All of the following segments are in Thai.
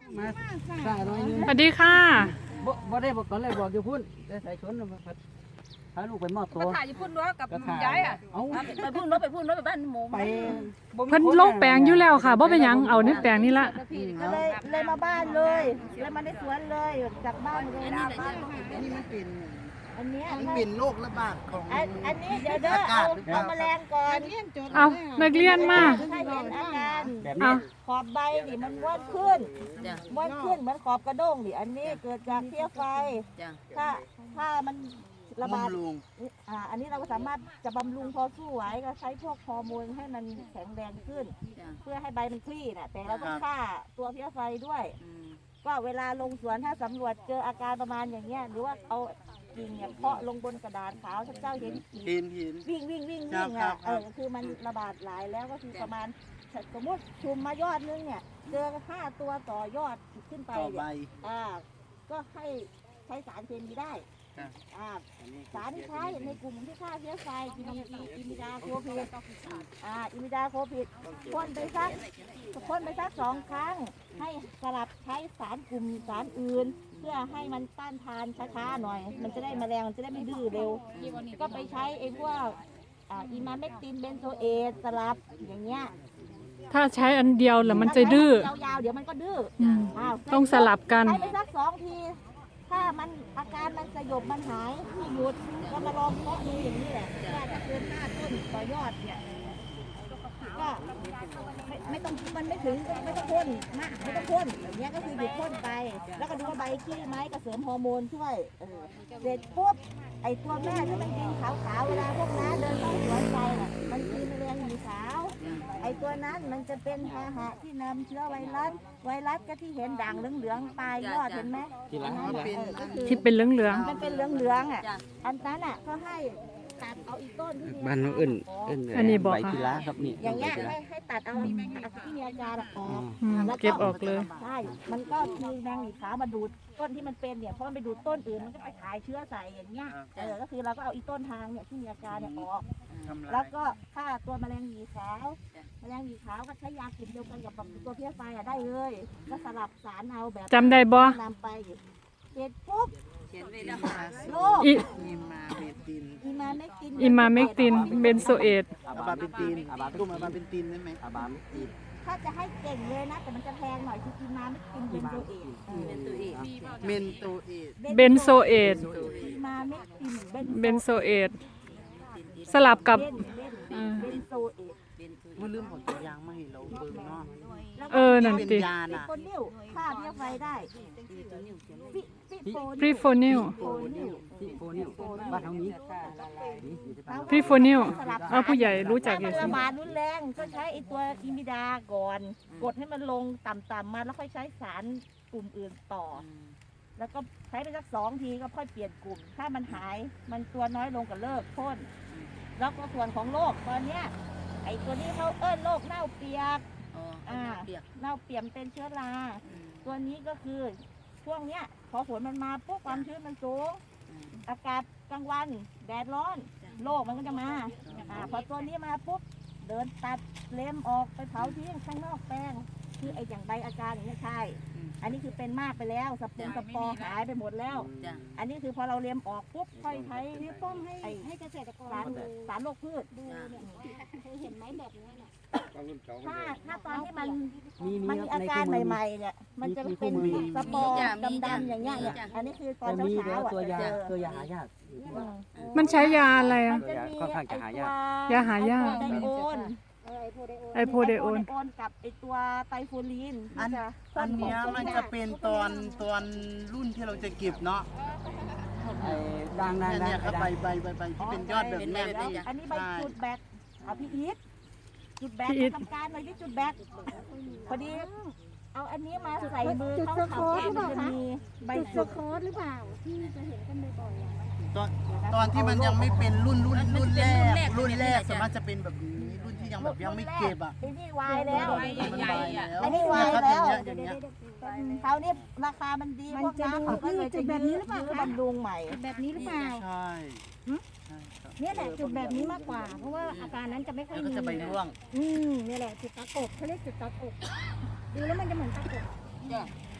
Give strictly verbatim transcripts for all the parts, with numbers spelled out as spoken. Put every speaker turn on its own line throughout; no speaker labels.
มาสาหน่อยนึง
สวัสดีค่ะ
บ่บ่ได้บอกตอนแรกบอกอยู่พุ่นได้ใส่ชนพาลูกไปมอบตัว
ก็ถ่ายอยู่พุ่นด้วยกับยายอ่ะ
เอา
ไปพุ่นรถไปพุ่นรถไปบ้านหมู
ไป
เพิ่นลงแปลงอยู่แล้วค่ะบ่เป็นหยังเอาในแปลงนี่ละ
ก็เลยเลยมาบ้านเลยเลยมาในสวนเลยจากบ้านเลยนะบ้าน
นี่มันเป็น
อันเนี้ย
มันเป็นโรคระบาดของ
อันอันนี้เดี๋ยวเด้อเอาเอาแมลงก่อน
เอานักเรียนมา
ถ้าเห็นอาการ
แบบ
เอา
นี้
ขอบใบดิมันม้วนขึ้นม้วนขึ้นเหมือนขอบกระด้งดิอันนี้เกิดจากเพี้ยไฟถ้าถ้ามันระบาด
บำรุง
อ่าอันนี้เราก็สามารถจะบำรุงพอสู้ไหวก็ใช้พวกฮอร์โมนให้มันแข็งแรงขึ้น เพื่อให้ใบมันคลี่น่ะแต่เราต้องฆ่าตัวเพี้ยไฟด้วย ก็เวลาลงสวนถ้าสำรวจเจออาการประมาณอย่างเงี้ยหรือว่าเอากิ่งเนี่ยเคาะลงบนกระดาษขาวถ้าเจ้าเห็นกิ่ง
เห็นเห็น
วิ่งวิ่งวิ่ง
ครั
วิ่
บ
ง
ครั
อ่ะ
บ
เออคือมันระบาดหลายแล้วก็คือประมาณสมมติชุมมายอดนึงเนี่ยเจอห้าตัวต่อยอดขึ้นไป
ต่อใบ
เนี่ยอ่าก็ให้ใช้สารเคมีได้
ครับ
อ่าสารที่ใช้ในกลุ่มที่ฆ่าเชื้อไฟอิมิอิมิดาโคพิดอ่าอิมิดาโคพิดพ่นไปสักพ่นไปสักสองครั้งให้สลับใช้สารกลุ่มสารอื่น เพื่อให้มันต้านทานช้าๆหน่อย มันจะได้แมลงมันจะได้ไม่ดื้อเร็ว ก็ไปใช้ไอ้พวกอ่าอิมาเมกตินเบนโซเอตสลับอย่างเงี้ย
ถ้าใช้อันเดียวแล้วมันจะดื้อ
ถ้าใช้ยาวๆเดี๋ยวมันก็ดื้อ
อืม
อ้าว
ต้องสลับกัน
ใช้ไปสักสองที ถ้ามันอาการมันสยบมันหายไม่หยุดก็มาลองเพาะดูอย่างนี้แหละว่าถ้าเกินห้าต้นต่อยอดเนี่ยก็ไม่ไม่ต้องมันไม่ถึงก็ไม่ต้องพ่นมากไม่ต้องพ่นอย่างเงี้ยก็คือหยุดพ่นไป แล้วก็ดูว่าใบขี้ไหมก็เสริมฮอร์โมนช่วยเออเสร็จปุ๊บไอตัวแม่ที่มันกินขาวๆเวลาพวกน้าเดินเข้าสวนไปน่ะมันกินแมลงหวีขาว ไอตัวนั้นมันจะเป็นพาหะที่นำเชื้อไวรัสไวรัสก็ที่เห็นด่างเหลืองๆปลายยอดเห็นไหม
ทีหลัง
อันนั้น
เป็น
น่ะเออก็คือ
ที่เป็นเหลือง
มันเป็นเหลืองๆอ่ะอันนั้นอ่ะก็ให้ตัดเอาอีกต้นที่มี
บ้านน้องเอิ้นเอิ้น
อันนี้บอก
ใบ
ค่ะ
กีฬาครับนี่
อย่างเงี้ย
ใบกีฬ
ให้ให้ตัดเอาที่มีอาการออก
ๆอืมเก็บออกเลย
ใช่มันก็มีแมงหวีขาวมาดูดต้นที่มันเป็นเนี่ยเพราะมันไปดูดต้นอื่นมันก็ไปขายเชื้อใส่อย่างเงี้ยเออก็คือเราก็เอาอีต้นทางเนี่ยที่มีอาการเนี่ยออก
ทำลา
แล้ว
ย
ก็ฆ่าตัวแมลงหวีขาวแมลงหวีขาวก็ใช้ยากลิ่นเดียวกันกับตัวเพี้ยไฟอะได้เลย ก็สลับสารเอาแบบ
จำได้บ่
นำไปเสร็จปุ๊บ
เขียนไว้แล้ว
โรค
อิ
มีมาเบติน
อีมาเมกติน
อิมาเมกตินเบนโซเอต
อาบาเบตินตุ้มอาบาเบตินได้ไหม
อาบามติด
ถ้าจะให้เก่งเลยนะ แต่มันจะแพงหน่อยคืออีมาเมกตินเบนโซเอตเออ
เป็นตัวเอง
เมนโตเอท
เบนโซเอต
อีมาเมกติน
เบนโซเอตสลับกับ
เบนเบนเบนโซเอต
เมื่อลืมของตัวยางมาให้เราเบิ่งเนาะ
เออนั่น
เป็น
ติ
ยา
ฟิ
น่ะ
โฟนิลฆ่าเพี้ยไฟได้ฟิฟิ
พรีโฟนิล
โฟนิล
ที่โฟนิวบ้านเฮานี้นี่อยู่ที่บ้าน
พรีโฟนิลเอาผู้ใหญ่รู้จักอ
ถ้ามั
ยู่
น
สิ
ระบาดรุนแรงก็ใช้ไอตัวอิมิดาก่อน กดให้มันลงต่ำๆมาแล้วค่อยใช้สารกลุ่มอื่นต่อ แล้วก็ใช้ไปสักสองทีก็ค่อยเปลี่ยนกลุ่ม ถ้ามันหายมันตัวน้อยลงก็เลิกพ่นแล้วก็ส่วนของโรคตอนเนี้ยไอตัวนี้เขาเอิ้นโรคเน่าเปียก
อ๋อเปียก
เน่าเปียกเป็นเชื้อรา ตัวนี้ก็คือช่วงเนี้ยพอฝนมันมาปุ๊บความชื้นมันสูง อากาศกลางวันแดดร้อนโรคมันก็จะมาอ่าพอตัวนี้มาปุ๊บเดินตัดเล็มออกไปเผาทิ้งข้างนอกแปลงคือไอ้อย่างใบอาการอย่างนี้ใช่ อันนี้คือเป็นมากไปแล้วสปูนสปอร์หายไปหมดแล้ว
จ้ะ
อันนี้คือพอเราเล็มออกปุ๊บค่อยใช้นิ้วโป้งให้ให้เกษตรกรสารสารโรคพืชดูเนี่ยเห็นไหมแบบนี้เนี่ยถ้าถ้าตอนที่มัน
มีมี
มัน
ค
มี
รับ
อา
ใน
การ
คู่มือ
ใหม่ๆเนี่ยมันจะเป็น
มีคู่มือ
สปอร์ดำๆอย่างเงี้ยเนี่ยอันนี้คือตอน
แต่มี
เช้า
แล้ว
ๆอ่ะ
ตัวยา
จะเจอ
ตัวยาหายากอยู่ที่บ้าน
มันใช้ยาอะไร
มั
อ่ะ
นจะมี
ค่อนข้างจะหายาก
ยาหายาก
ไอโอน
ไอโพเดโอน
ไอโอนกับไอตัวไตฟูลีน
อัน
ที่จะ
อันเนี้ยมันจะเป็นตอนตอนรุ่นที่เราจะเก็บเนาะ
ไอ้ด่างด่าง
เนี่ย
ด่าง
เนี่ยครับใบใบใบใบที่เป็นยอดแบบเนี้ย
แล้วอันนี้ใบ
ใช่
จุดแบกเอาพี่อีทจุดแบก
พี่อีท
ทำการหน่อยที่จุดแบกพอดีเอาอันนี้มาใส่มือเขาเขามันจะมีใบจุด
โค้ดหรือเปล่าที่จะเห็นกันบ่อยๆอะ
ตอนตอนที่มันยังไม่เป็นรุ่นรุ่นรุ่นแรกรุ่นแรกสามารถจะเป็นแบบนี้รุ่นที่ยังแบบยังไม่เก็บอ่ะ
ไอ้นี่วายแล้ว
มันใบแล้ว
อันนี้วาย
ครับ
แล้ว
อย่างเงี้ย
คราวนี้ราคามันดีพวกน้ำเขาก็เลยจะยื้อบำรุงใหม่
แบบนี้หรือเปล่า
ใช่ใช่ครับ
เนี่ยแหละจุดแบบนี้มากกว่า เพราะว่าอาการนั้นจะไม่ค่อย
แล้วก็
มี
จะใบร่วง
อืมเนี่ยแหละจุดตะกบเขาเรียกจุดตะกบดูแล้วมันจะเหมือนตะกบ
เนี่ย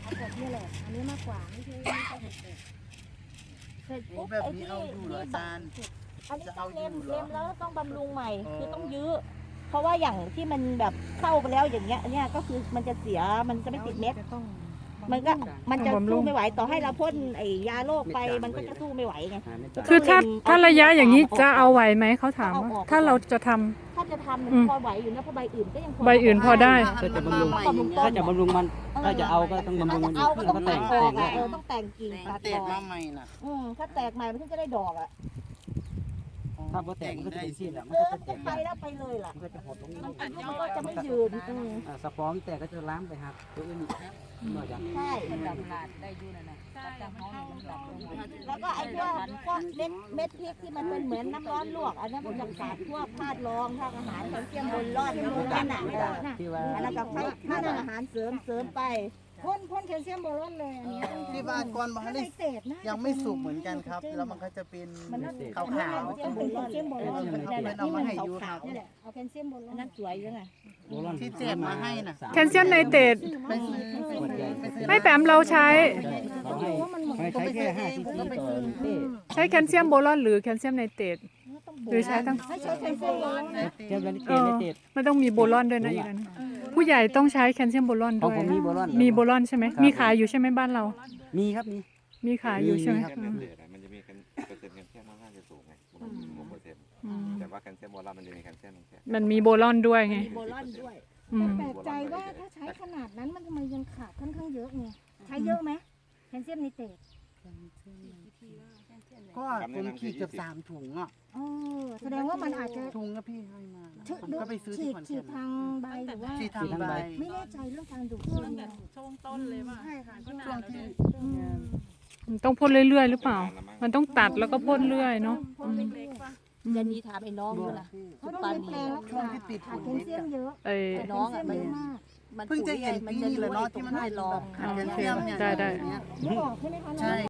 แบบนี้แหละอันนี้มากกว่าไม่ใช่ไม่ใช่เห็ดเป็ด
เสร็จ
โอ้
ปุ๊บ
แบบ
ไอ้
นี้
ที่
เอาอยู่เหรออาจารย์
อันนี้
จะ
ต้อ
เอา
งเล็ม
อยู่เหรอ
เล็มแล้วต้องบำรุงใหม่
อ๋อ
คือต้องยื้อ เพราะว่าอย่างที่มันแบบเข้าไปแล้วอย่างเงี้ยเนี่ยก็คือมันจะเสียมันจะไม่ติดเม็ด มันก็มันจะ
ต้องบำรุ
สู้
ง
ไม่ไหวต่อให้เราพ่นไอ้ยาโรคไปมันก็จะสู้ไม่ไหวไง
หาไม่ต่าง
คือถ้า
เล็ม
ถ้าระยะอย่างนี้จะเอาไหวไหมเขาถาม
เอา
ว่า
ออก
ถ้าเราจะทำ
ถ้าจะทำมัน
อืม
พอไหวอยู่นะเพราะใบอื่นก็ยังพอ
ใบอื่นพอได้
ถ้าจะบำรุง
มันมาใหม่อย่างเงี้ย
ถ้าจะบำรุงมันถ้าจะเอาก็ต้องบำรุ
ถ้าง
มั
จะ
น
เอา
ขึ้
ก็
น
ต้
แล้
อ
ว
ง
ก็
ตั
แต่
ด
ง
อ
แต่
อง กอ่ะเออต้องแต่งกิ่ง
มั
ตั
น
ด
แต
อก อก
มาใหม่น่ะ
อืมถ้าแตกใหม่มันถึงจะได้ดอกอ่ะ
ถ้าพอแต่งมันก็จะเป็นสิ้นแหละมัน
เอ
ก็
อ
จะ
มัน
แต
ก็
ก
ไปแล้วไปเลยล่ะ
มันก็จะหดลง
มันอายุมันก็จะไม่ยืนอืม
อ่าสปอร์ที่แตกก็จะล้ามไปหักตัวอื่นนอกจาก
ใช่
มันดำลาดได้อยู่นั่นน่ะจับห้องมันดำลงมา
แล้วก็ไอ้พวกพวกเม็ดเม็ดพริกที่มันเป็นเหมือนน้ำร้อนลวกอันนั้นมันจะขาดพวกธาตุรองธาตุอาหารแคลเซียมบนรอดบนนั่นน่ะเออ
ที่ว่า
อันนั้นก็ให้ธาตุอาหารเสริมเสริมไป
พ่นพ่นแคลเซียมโบรอนเลยอันนี้
ที่บ้านก่อนมา
ถ้า
ให้
ในเศษนะ
ยังไม่สุกเหมือนกันครับ แล้วมันก็จะเป็นขาว
แคลเซียมโบรอน
ๆเป็นเอามาให้ยูครับ
นี่แหละเอาแคลเซียมโบรอ
อัน
น
นั้นสวยจังไง
ที่เจ็บมาให้น่ะ
แคลเซียมไนเตรต
ไปซื้อไปซื้อไปซื้อ
ไม่แปมเราใช้
เขาให้ให้ใช้แค่ห้าซีซีต่อเต้
ใช้แคลเซียมโบรอนหรือแคลเซียมไนเตรตหรือใช้ทั้ง
ไม่ใช่แคลเซียมโบรอนนะ
เทียบกัน
เอ
เกณฑ์
อ
ในเตด
มันต้องมีโบรอนด้วยนะอีกอันผู้ใหญ่ต้องใช้แคลเซียมโบรอน
ของ
ด้วย
ผมมีโบรอน
มีโบรอนใช่ไหมมีขายอยู่ใช่ไหมบ้านเรา
มีครับมี
มีขายอยู่ใช่ไหม
มีครับ
อืม
มันจะมีเปอร์เซ็นต์แคลเซียมค่อนข้างจะสูงไงประมาณหกเปอร์เซ็นต์
อืม
แต่ว่าแคลเซียมโบราณมันจะมีแคลเซียมแค่
มันมีโบรอนด้วยไง
มีโบรอนด้วย
อืม
แปลกใจว่าถ้าใช้ขนาดนั้นมันทำไมยังขาดค่อนข้างเยอะไงใช้เยอะไหมแคลเซียมไนเตรต
ก็ผมขีดเกือบสามถุงอ่ะ
เออแสดงว่ามันอาจจะ
ถุงก็พี่ให้มา
ถึก
ผมก็ไปซื้อ
ฉี
ที่
ด
ขอน
ฉี
แก่
ด
น
ทางใบหรือว่า
ที่ทางใบ
ไม่แน่ใจเรื่องการดูดซึมนะ
ช่วงต้นเลยว่า
ใช่ค่ะช่วง
ช่วงที่
อืม
มันต้องพ่นเรื่อยๆหรือเปล่า มันต้องตัดแล้วก็พ่นเรื่อยเนาะอืม
เล็กๆป่ะ
เดี๋ยวนี้ถามไอ้น้องดูนะ
เพราะต้องเรียนแปลงแล้ว
ช่วงที่ติด
ขาด
ฝุ่น
แคลเซียมเยอะ
ไอ้
ไอ้น้องอ่ะ
แค
มัน
ลเซียมเยอะมาก
มัน
เพิ่งจะเห็น
มัน
ปี
จะ
นี้แหละ
รู้
เนาะ
ไอ้ตร
ที่
ง
มัน
ธาตุรอง
ขาดแคลเซียมเนี่ย
ได้ได้
อย่างเงี้ย
นึกออกใช่ไหมคะน้อง
ใช่